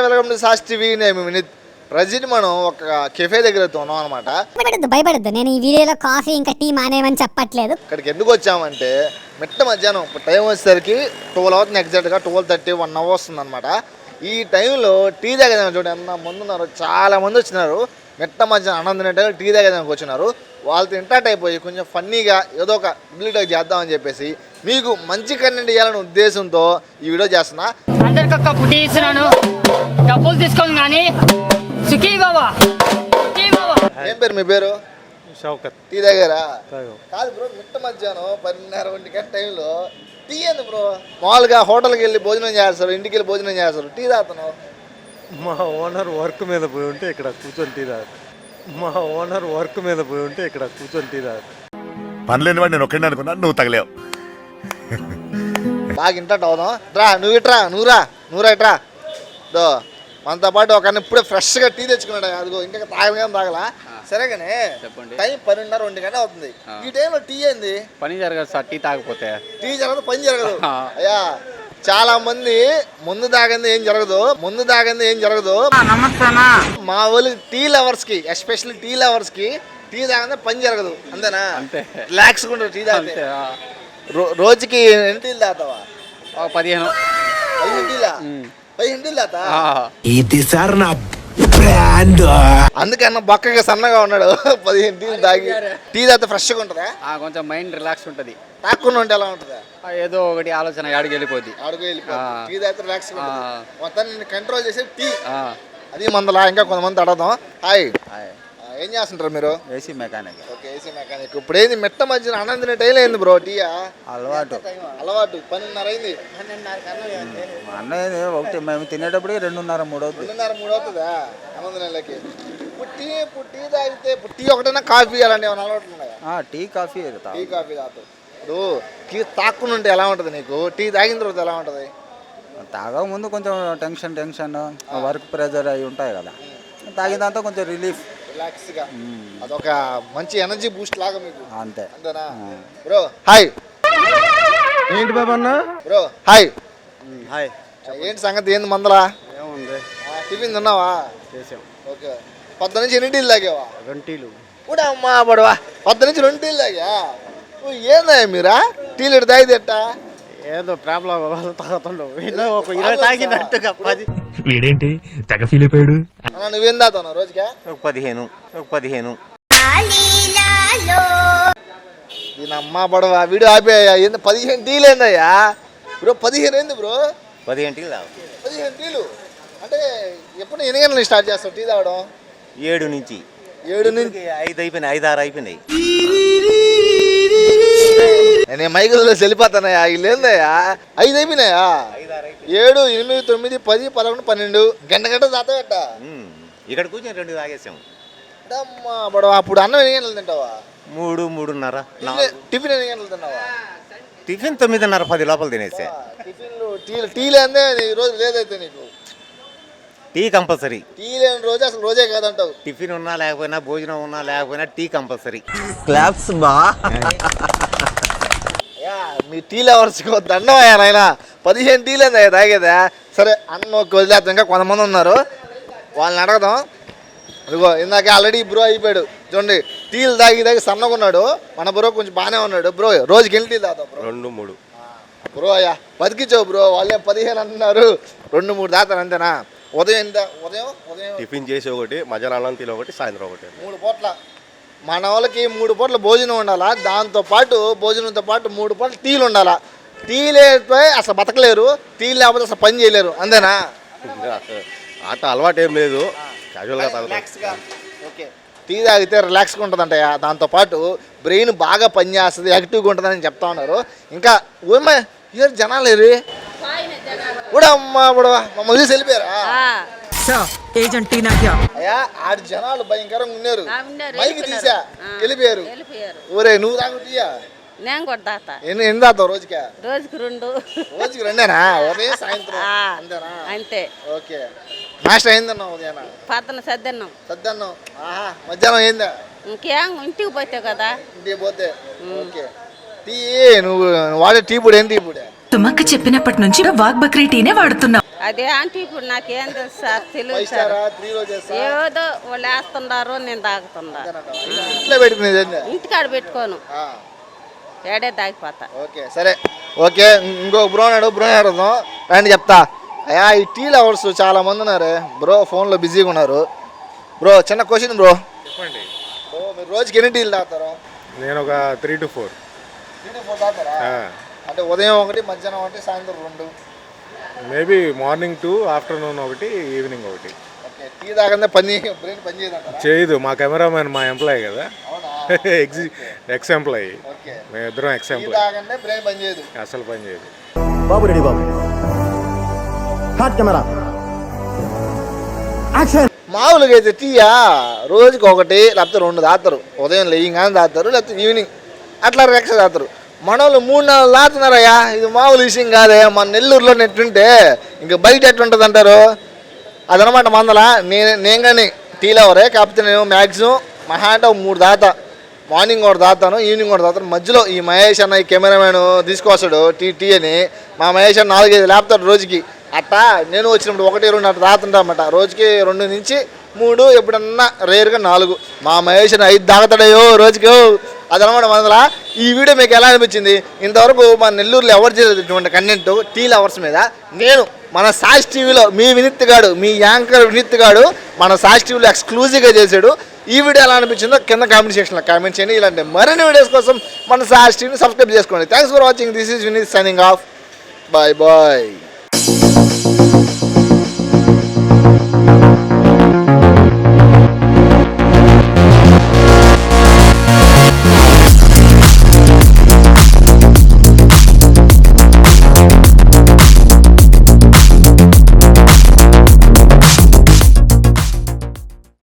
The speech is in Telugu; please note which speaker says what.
Speaker 1: Welcome to sauce TV. నేను వినీత్. ప్రజెంట్ మనం ఒక కెఫే దగ్గర ఉన్నాం అనమాట.
Speaker 2: భయపడద్దు, నేను ఈ వీడియోలో కాఫీ ఇంకా టీ మానేమని చెప్పట్లేదు.
Speaker 1: ఇక్కడికి ఎందుకు వచ్చామంటే మిట్ట మధ్యాహ్నం టైం వచ్చేసరికి 12 అవుతుంది, ఎగ్జాక్ట్గా 12:30 1 hour వస్తుంది అనమాట. ఈ టైంలో టీ తాగేదానికి చూడండి ఎంత మంది ఉన్నారు, చాలా మంది వచ్చినారు. మిట్ట మధ్యాహ్నం ఆనందం టైం టీ తాగేదానికి వచ్చినారు. వాళ్ళతో ఇంటర్ట్ అయిపోయి కొంచెం ఫన్నీగా ఏదో ఒక బిల్డప్ చేద్దామని చెప్పేసి మీకు మంచి కంటెంట్ ఇవ్వాలనే ఉద్దేశంతో ఈ వీడియో చేస్తున్నా.
Speaker 3: అందరికి ఒక పుట్టి ఇస్తున్నాను, డబ్బులు తీసుకోండి కానీ సుఖీ బాబా.
Speaker 1: ఏం పేరు మీ పేరు?
Speaker 4: షౌకత్.
Speaker 1: టీ తాగారా? కాదు బ్రో, మిట్ట మధ్యాహ్నం 10:30 1 గంట టైంలో టీ ఏంది బ్రో? మామూలుగా హోటల్కి వెళ్ళి భోజనం చేస్తారు, ఇంటికి వెళ్ళి భోజనం చేస్తారు, టీ తాగుతున్నావు.
Speaker 4: మా ఓనర్ వర్క్ మీద పోయి ఉంటే ఇక్కడ కూర్చొని టీ తాగుతాను.
Speaker 5: పనిలేని వాడు నేను ఒక్కడిని అనుకున్నా, నువ్వు తగలేవు.
Speaker 1: బాగా ఇంటర్ట్ అవుదాం. రా నువ్వు ఇట్రా, నువ్వురా ఇట్రా. దో మనతో పాటు ఒక ఇప్పుడే ఫ్రెష్గా టీ తెచ్చుకున్నాడు. అదిగో ఇంకా తాగగా తాగలా. సరే కానీ టైం 10:30 1 గంట అవుతుంది. ఈ టైంలో టీ ఏంది?
Speaker 6: పని జరగదు సార్, టీ తాగకపోతే.
Speaker 1: టీ జరగదు, పని జరగదు. అయ్యా చాలా మంది ముందు తాగింది ఏం జరగదు. మా వాళ్ళు టీ లవర్స్ కి, ఎస్పెషల్లీ టీ లవర్స్ కి టీ తాగిందే పని జరగదు. అంతేనా?
Speaker 6: అంతే.
Speaker 1: రిలాక్స్ గా టీ తాగితే. రోజుకి ఎన్ని టీలు తాగుతావా?
Speaker 6: 15
Speaker 1: టీలా? 15 టీలు తాగుతా.
Speaker 7: ఇది సార్ నా బ్రాండ్.
Speaker 1: అందుకన్నా బక్కగా సన్నగా ఉన్నాడు. 15 టీలు తాగి టీ తాగితే ఫ్రెష్ గా ఉంటుందా?
Speaker 6: కొంచెం మైండ్ రిలాక్స్ ఉంటది.
Speaker 1: తాక్కుని ఉంటే ఎలా ఉంటుందా?
Speaker 6: ఏదో ఒకటి ఆలోచన ఆడికి వెళ్ళిపోద్ది.
Speaker 1: టీ తాగితే రిలాక్స్ మొత్తాన్ని కంట్రోల్ చేసే టీ. అది మందలా. ఇంకా కొంతమంది అడగదాం. హాయ్, ఏం చేస్తుంటారు మీరు?
Speaker 6: AC mechanic.
Speaker 1: Okay, AC mechanic. ఇప్పుడు ఏంది మిట్ట మధ్యన ఆనందిన టైం అయింది బ్రో. టీయా
Speaker 6: అలవాటు
Speaker 1: 12:30 అయింది.
Speaker 6: అన్నది ఒకటి మేము తినేటప్పుడు 2:30 3 అవుతుంది.
Speaker 1: 2:30 3 అవుతుందా ఆనందనకి? టీ తాగితే టీ ఒకటైనా కాఫీ అలాంటి ఏమైనా అలవాట్లు ఉన్నాయా?
Speaker 6: టీ కాఫీ
Speaker 1: టీ కాఫీ తాగుతావు. ఇప్పుడు టీ తాక్కుని ఉంటే ఎలా ఉంటుంది నీకు? టీ తాగిన తర్వాత ఎలా ఉంటుంది?
Speaker 6: తాగక ముందు కొంచెం టెన్షన్ వర్క్ ప్రెజర్ అవి ఉంటాయి కదా, తాగిన దాంతో కొంచెం
Speaker 1: రిలాక్స్ గా అదొక మంచి ఎనర్జీ బూస్ట్ లాగా మీకు. అంతేనా బ్రో? హాయ్.
Speaker 4: ఏంటి బాబన్న?
Speaker 1: Bro hi.
Speaker 4: హాయ్.
Speaker 1: ఏంటి సంగతి? ఏంది మందలా?
Speaker 4: ఏముంది,
Speaker 1: టిఫిన్ తిన్నావా?
Speaker 4: చేసాం.
Speaker 1: ఓకే. 10 నుంచి ఎన్ని టీలు తాగావా?
Speaker 4: 2 టీలు.
Speaker 1: కూడా అమ్మా పడవా. 10 నుంచి 2 టీలు తాగా. ఏందా మీరా టీలు ఇటు తాగితే ఎట్టా?
Speaker 4: ఏదో ప్రాబ్లం తాగుతుండవు. ఒక 20 తాగినట్టుగా 10.
Speaker 8: వీడేంటి తెగ ఫీల్ అయిపోయాడు.
Speaker 1: నువ్వేం తాగుతావు రోజుగా?
Speaker 4: 15.
Speaker 1: దీని అమ్మా పడవా. వీడియో ఆపేయ్యా. ఏంది 15 టీలు ఏందయ్యా బ్రో? 15 ఏంది బ్రో?
Speaker 4: 15 టీలు తాగు.
Speaker 1: 15 టీలు అంటే ఎప్పుడు ఎన్ని గంటలు స్టార్ట్ చేస్తావు టీ తాగడం?
Speaker 4: 7 నుంచి 5 అయిపోయినాయి, 5 6 అయిపోయినాయి.
Speaker 1: నేను మైకుల్లో వెళ్ళిపోతానయ్యా. వీళ్ళు ఏందయ్యా 5 అయిపోయినాయా? 7 8 9 10 11 12 గంట తాతావట.
Speaker 4: ఇక్కడ కూర్చొని 2 తాగేసాం.
Speaker 1: అమ్మా పడవా. అప్పుడు అన్నం ఎన్ని గంటలు తింటావా?
Speaker 4: 3 3:30.
Speaker 1: టిఫిన్ ఎన్ని గంటలు తిన్నావా?
Speaker 4: టిఫిన్ 9:30 10 లోపల తినేసా.
Speaker 1: టిఫిన్లు టీలు అందే ఈ రోజు లేదైతే నీకు?
Speaker 4: Tea compulsory.
Speaker 1: టీ లేని రోజు అసలు రోజే కాదంటావు.
Speaker 4: టిఫిన్ ఉన్నా లేకపోయినా, భోజనం ఉన్నా లేకపోయినా టీ కంపల్సరీ.
Speaker 7: క్లాప్స్ బా.
Speaker 1: మీ టీ లవర్స్ దండం అయ్యా నాయన. 15 టీలు ఏందయ్యా తాగేదా? సరే అన్నం వదిలేద్దాం. ఇంకా కొంతమంది ఉన్నారు, వాళ్ళని అడగదాం. అదిగో ఇందాక ఆల్రెడీ బ్రో అయిపోయాడు చూడండి. టీలు తాగి సన్నగా ఉన్నాడు. మన బ్రో కొంచెం బాగానే ఉన్నాడు. బ్రో రోజుకి ఎన్ని టీలు తాగుతావు బ్రో?
Speaker 4: 2 3.
Speaker 1: బ్రో అయ్యా బతికించావు బ్రో. వాళ్ళే 15 అంటున్నారు, 2 3 తాగుతారు అంతేనా? ఉదయం
Speaker 4: టిఫిన్ చేసి ఒకటి, మధ్యాహ్నం అన్నం తిని ఒకటి, సాయంత్రం ఒకటి.
Speaker 1: 3 పూట్ల. మన వాళ్ళకి 3 పూట్ల భోజనం ఉండాలా. దాంతో పాటు భోజనంతో పాటు 3 పూట్ల టీలు ఉండాలా. టీ లేకపోతే అసలు బతకలేరు, టీ లేకపోతే అసలు పని చేయలేరు. అంతేనా?
Speaker 4: ఆట అలవాటు ఏం లేదు, క్యాజువల్గా
Speaker 1: తాగుతాం. ఓకే. టీ తాగితే రిలాక్స్గా ఉంటుందంట. దాంతో పాటు బ్రెయిన్ బాగా పనిచేస్తుంది, యాక్టివ్గా ఉంటుందని చెప్తా ఉన్నారు. ఇంకా ఏమో జనాలు ఏరి కూడా అమ్మా పడవా మమ్మల్ని వెళ్ళిపోయారా? అయ్యా ఆడు జనాలు భయంకరంగా ఉన్నారు. మైకి తీసా వెళ్ళిపోయారు. ఊరే నువ్వు తాగుతీయా?
Speaker 9: నేను కూడా తాగుతా.
Speaker 1: ఎన్ని తాగుతావు రోజుకి?
Speaker 9: రోజుకి 2.
Speaker 1: రోజుకి 2 ఉదయం సాయంత్రం అంతేనా?
Speaker 9: అంతే.
Speaker 1: ఓకే. నాష్ట అయిందన్నా ఉదయం?
Speaker 9: పద్దన సద్దన్నం.
Speaker 1: ఆహా. మధ్యాహ్నం అయిందా?
Speaker 9: ఇంకేం ఇంటికి పోతే కదా.
Speaker 1: ఇంటికి పోతే. ఓకే. టీ నువ్వు వాడే టీ పొడి ఏం టీ పొడి?
Speaker 10: తుమ్మక్క చెప్పినప్పటి నుంచి వాగ్ బక్రీ టీనే వాడుతున్నావు.
Speaker 9: అదే అంటే ఇప్పుడు నాకేం తెలుసు సార్ తెలియదు
Speaker 1: 5
Speaker 9: సార్
Speaker 1: స్టారా 3 రోజెస్
Speaker 9: ఏదో వాళ్ళు వేస్తున్నారు నేను తాగుతున్నా
Speaker 1: ఇంట్లో పెట్టుకునేది ఏంది?
Speaker 9: ఇంటికాడ పెట్టుకోను
Speaker 1: ఆ,
Speaker 9: ఏడే తాగిపోతా
Speaker 1: ఓకే సరే ఓకే ఇంకో బ్రో నాడు బ్రో అడుగుదాం రండి చెప్తా అయ్యా ఈ టీ లవర్స్ చాలా మంది ఉన్నారు బ్రో ఫోన్లో బిజీగా ఉన్నారు బ్రో చిన్న క్వశ్చన్ బ్రో
Speaker 10: చెప్పండి.
Speaker 1: బ్రో మీరు రోజుకి ఎన్ని టీలు తాగుతారు?
Speaker 10: నేను ఒక 3 to 4.
Speaker 1: 3 to 4 తాగుతారా? అంటే ఉదయం ఒకటి మధ్యాహ్నం ఒకటి సాయంత్రం 2.
Speaker 10: Maybe morning 2, afternoon 1, evening 1.
Speaker 1: Okay tea తాగందే బ్రెయిన్ పని చేయదంటారా?
Speaker 10: చేయదు. మా కెమెరామెన్ మా ఎంప్లాయీ కదా,
Speaker 1: అవునా?
Speaker 10: Ex employee.
Speaker 1: ఓకే
Speaker 10: మేమిద్దరం ఎక్స్
Speaker 1: టీ
Speaker 10: ఎంప్లాయీ.
Speaker 1: తాగందే బ్రెయిన్ పని చేయదు.
Speaker 10: అసలు పని చేయదు.
Speaker 7: బాబు రెడీ బాబు హాట్ కెమెరా యాక్షన్.
Speaker 1: మామూలుగా అయితే టీయా రోజుకి ఒకటి లేకపోతే 2 తాగుతారు. ఉదయం లేయంగానే తాగుతారు లేకపోతే ఈవినింగ్ అట్లా రేక్ష తాగుతారు. మన వాళ్ళు 3-4 తాగుతున్నారయ్యా. ఇది మామూలు విషయం కాదే. మన నెల్లూరులో నెట్టుంటే ఇంకా బయట ఎట్లుంటుంది అంటారు. అదనమాట మందల నేను కానీ టీ లవరే. కాకపోతే నేను మ్యాక్సిమం మహా అంటే 3 తాగుతా. మార్నింగ్ ఒకటి తాగుతాను, ఈవినింగ్ ఒకటి తాగుతాను. మధ్యలో ఈ మహేష్ అన్న ఈ కెమెరామెన్ తీసుకొస్తాడు టీ అని. మా మహేష్ అన్న 4-5 లేపుతాడు రోజుకి. అట్టా నేను వచ్చినప్పుడు 1-2 అట్లా తాగుతుంటా అన్నమాట. రోజుకి 2 నుంచి 3, ఎప్పుడన్నా రేరుగా 4. మా మహేష్ అన్న 5 తాగుతాడయ్యో రోజుకి. అదనమాట మందల. ఈ వీడియో మీకు ఎలా అనిపించింది? ఇంతవరకు మన నెల్లూరులో ఎవరు చేయలేదు ఇటువంటి కంటెంట్ టీ లవర్స్ మీద. నేను మన సాక్షి టీవీలో మీ వినీత్ గాడు, మీ యాంకర్ వినీత్ గాడు మన సాక్షి టీవీలో ఎక్స్క్లూజివ్గా చేశాడు. ఈ వీడియో ఎలా అనిపించిందో కింద కామెంట్ సెక్షన్లో కామెంట్ చేయండి. ఇలాంటి మరిన్ని వీడియోస్ కోసం మన సాక్షి టీవీని సబ్స్క్రైబ్ చేసుకోండి. Thanks for watching. This is Vineet signing off. Bye bye.